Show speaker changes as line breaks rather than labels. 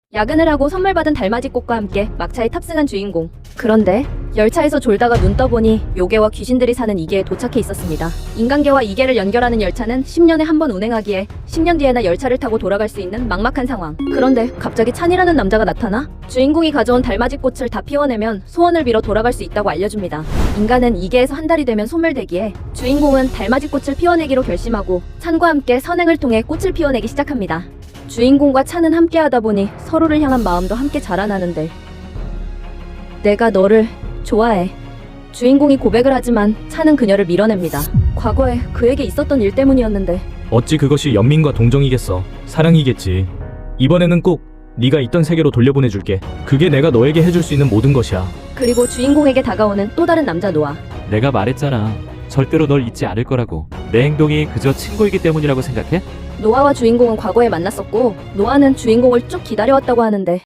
야근을 하고 선물 받은 달맞이 꽃과 함께 막차에 탑승한 주인공. 그런데 열차에서 졸다가 눈 떠보니 요괴와 귀신들이 사는 이계에 도착해 있었습니다. 인간계와 이계를 연결하는 열차는 10년에 한 번 운행하기에 10년 뒤에나 열차를 타고 돌아갈 수 있는 막막한 상황. 그런데 갑자기 찬이라는 남자가 나타나 주인공이 가져온 달맞이 꽃을 다 피워내면 소원을 빌어 돌아갈 수 있다고 알려줍니다. 인간은 이계에서 한 달이 되면 소멸되기에 주인공은 달맞이 꽃을 피워내기로 결심하고 찬과 함께 선행을 통해 꽃을 피워내기 시작합니다. 주인공과 찬은 함께하다 보니 서로를 향한 마음도 함께 자라나는데 내가 너를 좋아해. 주인공이 고백을 하지만 찬은 그녀를 밀어냅니다. 과거에 그에게 있었던 일 때문이었는데
어찌 그것이 연민과 동정이겠어. 사랑이겠지. 이번에는 꼭 네가 있던 세계로 돌려보내줄게. 그게 내가 너에게 해줄 수 있는 모든 것이야.
그리고 주인공에게 다가오는 또 다른 남자 노아.
내가 말했잖아. 절대로 널 잊지 않을 거라고. 내 행동이 그저 친구이기 때문이라고 생각해?
노아와 주인공은 과거에 만났었고 노아는 주인공을 쭉 기다려왔다고 하는데